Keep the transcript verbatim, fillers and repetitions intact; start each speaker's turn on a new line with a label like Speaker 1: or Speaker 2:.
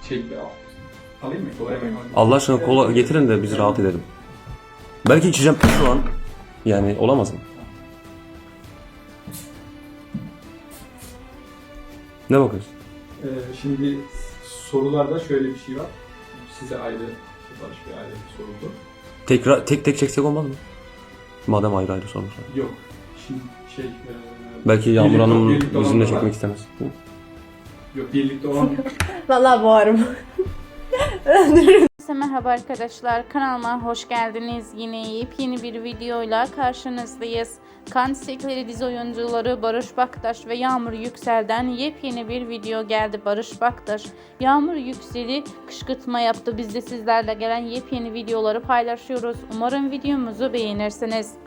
Speaker 1: Şey al. Alayım mı? Kolay mı?
Speaker 2: Allah aşkına kola getirin de biz rahat edelim. Belki içeceğim şu an. Yani olamaz mı? Ne bakıyorsun?
Speaker 1: Ee, şimdi sorularda şöyle bir şey var. Size ayrı, Barış Bey ayrı bir soruldu.
Speaker 2: Tekrar tek tek çeksek olmaz mı? Madem ayrı ayrı sormuşlar.
Speaker 1: Yok. Şimdi şey... E,
Speaker 2: Belki Yağmur
Speaker 1: birlikte-
Speaker 2: Hanım
Speaker 1: birlikte
Speaker 2: bizimle
Speaker 1: olanlar var.
Speaker 2: çekmek istemez. Hı?
Speaker 1: Yok, birlikte olan...
Speaker 3: Vallahi boğarım.
Speaker 4: Herkese merhaba arkadaşlar, kanalıma hoş geldiniz. Yine yepyeni bir videoyla karşınızdayız. Kan Çiçekleri dizi oyuncuları Barış Baktaş ve Yağmur Yüksel'den yepyeni bir video geldi. Barış Baktaş, Yağmur Yüksel'i kışkırtma yaptı. Biz de sizlerle gelen yepyeni videoları paylaşıyoruz. Umarım videomuzu beğenirsiniz.